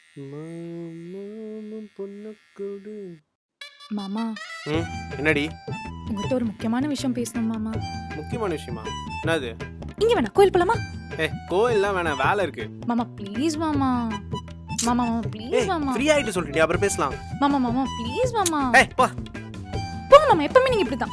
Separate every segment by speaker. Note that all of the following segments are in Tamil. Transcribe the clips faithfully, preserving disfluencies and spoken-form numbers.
Speaker 1: மாமாவும் பொண்ணக்கூடு.
Speaker 2: மாமா
Speaker 1: ம் என்னடி
Speaker 2: உங்ககிட்ட ஒரு முக்கியமான விஷயம் பேசணும் மாமா.
Speaker 1: முக்கியமான விஷயமா? என்னது?
Speaker 2: இங்க வேணா கோயில் போலாமா?
Speaker 1: ஏ கோயில்லாம் வேணாம், வேலை இருக்கு.
Speaker 2: மாமா ப்ளீஸ் மாமா. மாமா மாமா
Speaker 1: ஏய்
Speaker 2: ப்ளீஸ் மாமா.
Speaker 1: ஃப்ரீ ஆயிட்டு சொல்லிட்டு அப்புறம் பேசலாம்.
Speaker 2: மாமா மாமா ப்ளீஸ் மாமா.
Speaker 1: ஏய் பா.
Speaker 2: போங்க மாமா, எப்பவுமே நீங்க இப்படிதான்.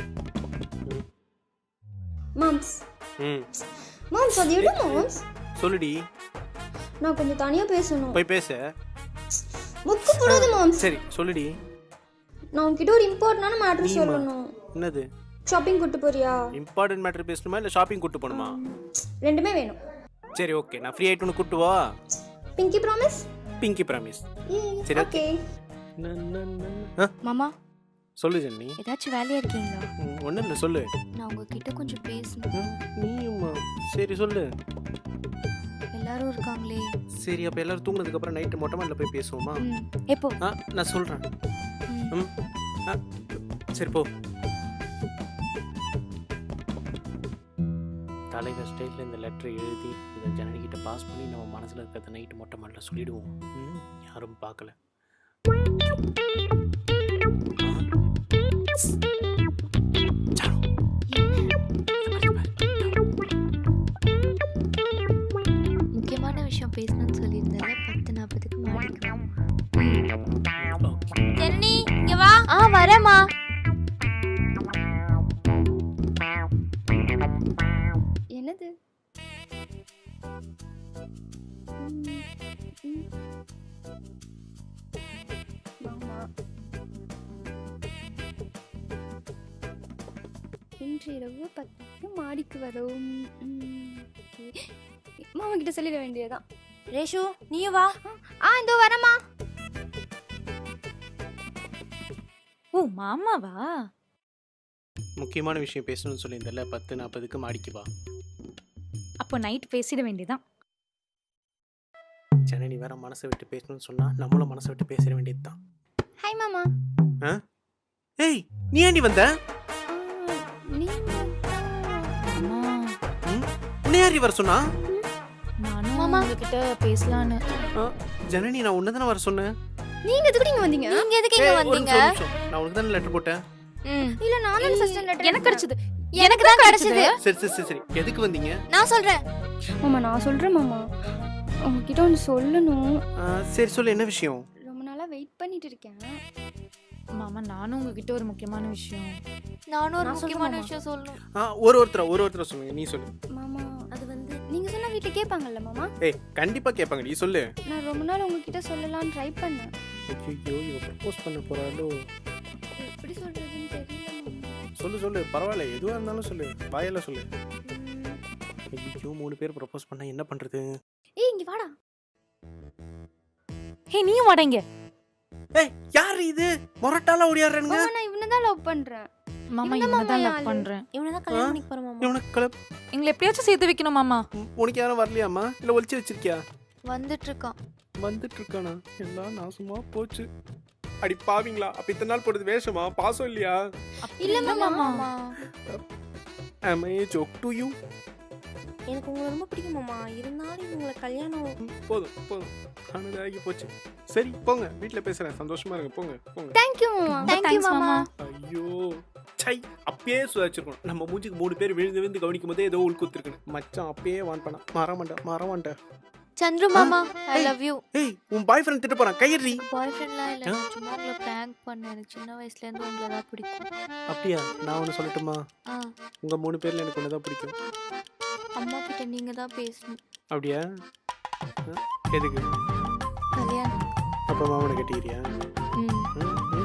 Speaker 3: மாம்ஸ்
Speaker 1: ம்
Speaker 3: மாம்ஸ் அது எடு மாம்ஸ்.
Speaker 1: சொல்லுடி.
Speaker 3: நான் கொஞ்சம் தனியா பேசணும்.
Speaker 1: போய் பேசு.
Speaker 3: முக்கு போடாத மாம்ஸ்.
Speaker 1: சரி சொல்லுடி.
Speaker 3: நான் உன்கிட்ட ஒரு இம்பார்ட்டன்டான மேட்டர்
Speaker 1: நீமா?
Speaker 3: சொல்லணும்.
Speaker 1: என்னது?
Speaker 3: ஷாப்பிங் கூட்டு போறியா?
Speaker 1: இம்பார்ட்டன்ட் மேட்டர் பேசணுமா இல்ல ஷாப்பிங் கூட்டு போணுமா?
Speaker 3: ரெண்டுமே வேணும்.
Speaker 1: சரி ஓகே, நான் ஃப்ரீ ஆயிட்டு உனக்கு கூட்டு வா.
Speaker 3: Pinky promise?
Speaker 1: Pinky promise. சரி
Speaker 3: ஓகே.
Speaker 4: மாமா
Speaker 1: சொல்லு ஜென்னி.
Speaker 4: ஏதாச்சும் வேலையா இருக்கீங்களா?
Speaker 1: ஒன்றும் இல்லை சொல்லு.
Speaker 4: நான் உங்ககிட்ட கொஞ்சம் பேசணும்.
Speaker 1: நீயுமா? சரி சொல்லு.
Speaker 4: எல்லாரும் இருக்காங்களே.
Speaker 1: சரி அப்போ எல்லாரும் தூங்குனதுக்கு அப்புறம் நைட்டு மொட்டை மாடியில் போய் பேசுவோமா?
Speaker 4: ம், எப்போ?
Speaker 1: ஆ நான் சொல்கிறேன்.
Speaker 4: ம்.
Speaker 1: ம் ஆ சரி போ. தலைவர் ஸ்டைலில் இந்த லெட்டரை எழுதி இதை ஜனனிக்கிட்ட பாஸ் பண்ணி நம்ம மனசில் இருக்கிறத நைட்டு மொட்டை மாடியில் சொல்லிடுவோம். ம் யாரும் பார்க்கல.
Speaker 4: முக்கியமான விஷயம் பேசணும்னு சொல்லியிருந்தால பத்து நாற்பதுக்கு மாடிக்கலாம். ஜென்னி இங்க வா. ஆ வரேம்மா.
Speaker 3: என்னது? மாமா இன்று இரவு பத்துக்கு மாடிக்கு வரும். மாமா கிட்ட சொல்லிட வேண்டியதான்.
Speaker 4: ரேஷு நீயும் வா.
Speaker 3: ஆ இதோ வரமா.
Speaker 2: ஓ மாமாவா?
Speaker 1: முக்கியமான விஷயம் பேசணும்னு சொல்லியிருந்தல பத்து நாற்பதுக்கு மாடிக்கு வா.
Speaker 2: அப்போ நைட் பேசிட வேண்டியதான்.
Speaker 1: ஜனனி வேற மனசை விட்டு பேசணும்னு சொன்னா நம்மளும் மனசை விட்டு பேச வேண்டியது தான்.
Speaker 3: ஹாய் மாமா.
Speaker 1: ஆ ஏய் நீ ஏண்டி வந்த?
Speaker 2: மாமா
Speaker 1: ம் உன்னை யார் வர சொன்னா?
Speaker 2: நானும்
Speaker 4: மாமா.
Speaker 2: உங்ககிட்ட பேசலான்னு.
Speaker 1: ஆ, ஜனனி நான் உன்னை தானே வர சொன்னேன்.
Speaker 3: நீங்க எதுக்கு நீங்க வந்தீங்க?
Speaker 4: நீங்க எதுக்கு இங்க
Speaker 1: ஏய், ஒரு
Speaker 4: வந்தீங்க?
Speaker 1: நிமிஷம், ஒரு நிமிஷம். நான் உனக்கு தானே லெட்டர் போட்டேன்.
Speaker 4: ம்,
Speaker 3: இல்ல நானும் ஃபர்ஸ்ட் லெட்டர்
Speaker 2: எனக்கு கிடைச்சது.
Speaker 4: எனக்கு தான் கிடைச்சது.
Speaker 1: சரி சரி சரி சரி எதுக்கு வந்தீங்க?
Speaker 4: நான் சொல்றேன்.
Speaker 3: மாமா நான் சொல்றேன் மாமா. உங்ககிட்ட ஒன்று சொல்லணும்.
Speaker 1: ஆ, சரி சொல்லு என்ன விஷயம்?
Speaker 3: ரொம்ப நாளா வெயிட் பண்ணிட்டு இருக்கேன்.
Speaker 2: மாமா நானும் உங்ககிட்ட ஒரு முக்கியமான விஷயம்.
Speaker 4: நானும் ஒரு
Speaker 3: நான் சொல்றேன்
Speaker 4: முக்கியமான
Speaker 3: மாமா.
Speaker 4: விஷயம் சொல்லணும்.
Speaker 1: ஆ ஒரு ஒருத்தர ஒரு ஒருத்தர சொல்லுங்க. நீ சொல்லு.
Speaker 3: மாமா
Speaker 4: அது வந்து
Speaker 3: நீங்க சொன்னா வீட்ல கேட்பாங்கல்ல மாமா?
Speaker 1: ஏய் கண்டிப்பா கேட்பாங்க, நீ சொல்லு.
Speaker 3: நான் ரொம்ப நாள் உங்ககிட்ட சொல்லலாம்னு ட்ரை பண்ணேன்.
Speaker 1: ஐயோ இவ ப்ரப்போஸ் பண்ண போறாளோ?
Speaker 3: எப்படி சொல்றதுன்னு தெரியல மாமா.
Speaker 1: சொல்லு சொல்லு பரவாயில்ல, எதுவா இருந்தாலும் சொல்லு, வாயால சொல்லு.
Speaker 3: ம்,
Speaker 1: ஐயோ மூணு பேர் ப்ரப்போஸ் பண்ணா என்ன பண்றது?
Speaker 3: ஏய் இங்க வாடா.
Speaker 2: ஹே நீயும் வாடங்க.
Speaker 1: ஏய் யார் இது? மொரட்டால ஓடியாறேங்க.
Speaker 3: மாமா நான் இவனை தான் லவ் பண்றேன்.
Speaker 2: மாமா
Speaker 3: இந்த
Speaker 2: இவனை தான்
Speaker 3: மாமா
Speaker 2: லவ்
Speaker 3: யாரு?
Speaker 2: பண்றேன்.
Speaker 4: இவனை தான் கல்யாணம் பண்ணிக்க போறேன் மாமா.
Speaker 1: இவனுக்கு கிளப்
Speaker 2: எங்களை எப்படியாச்சும் சேர்த்து வைக்கணும் மாமா.
Speaker 1: உனக்கு யாரும் வரலையாமா? இல்ல ஒளிச்சு வச்சிருக்கியா?
Speaker 4: வந்துட்டு இருக்கான்.
Speaker 1: வந்துட்டு இருக்கானா? எல்லாம் நாசமா போச்சு. அடி பாவீங்களா, அப்ப இத்தனை நாள் போடுறது வேஷமா? பாசம் இல்லையா?
Speaker 3: இல்ல மாமா.
Speaker 4: மாமா
Speaker 1: Am I a joke to you?
Speaker 4: எனக்கு உங்களை ரொம்ப பிடிக்கும் மாமா. இருந்தாலும் உங்களை கல்யாணம்
Speaker 1: போதும் போதும், ஆனது ஆகி போச்சு. சரி போங்க, வீட்ல பேசுறேன், சந்தோஷமா இருங்க, போங்க போங்க.
Speaker 3: தேங்க் யூ மாமா.
Speaker 4: Thank you,
Speaker 2: Thanks,
Speaker 4: மாமா.
Speaker 1: ஐயோ சை, அப்பயே சுதாச்சிருக்கணும். நம்ம மூஞ்சிக்கு மூணு பேர் விழுந்து விழுந்து கவனிக்கும் போதே ஏதோ உள்குத்துருக்கணும். மச்சான் அப்பயே வான் பண்ணா மறமாண்டா மறமாண்டா.
Speaker 4: சந்துரு மாமா ஐ லவ் யூ.
Speaker 1: ஏய் உன் பாய் ஃப்ரெண்ட் திட்ட போறான், கையறி.
Speaker 4: பாய் ஃப்ரெண்ட்லாம் இல்லை, நான் சும்மா உங்களை ப்ராங்க் பண்ணேன். எனக்கு சின்ன வயசுல இருந்து உங்களை தான் பிடிக்கும்.
Speaker 1: அப்படியா? நான் ஒன்று சொல்லட்டுமா?
Speaker 4: ஆ
Speaker 1: உங்க மூணு பேர்ல எனக்கு ஒன்று தான் பிடிக்கும்.
Speaker 4: அம்மா கிட்ட நீங்க தான் பேசணும்.
Speaker 1: அப்படியா? ஆ, எதுக்கு?
Speaker 4: கல்யாணம்.
Speaker 1: அப்ப மாமனை கட்டிக்கிறியா?
Speaker 4: ம்
Speaker 1: ம்,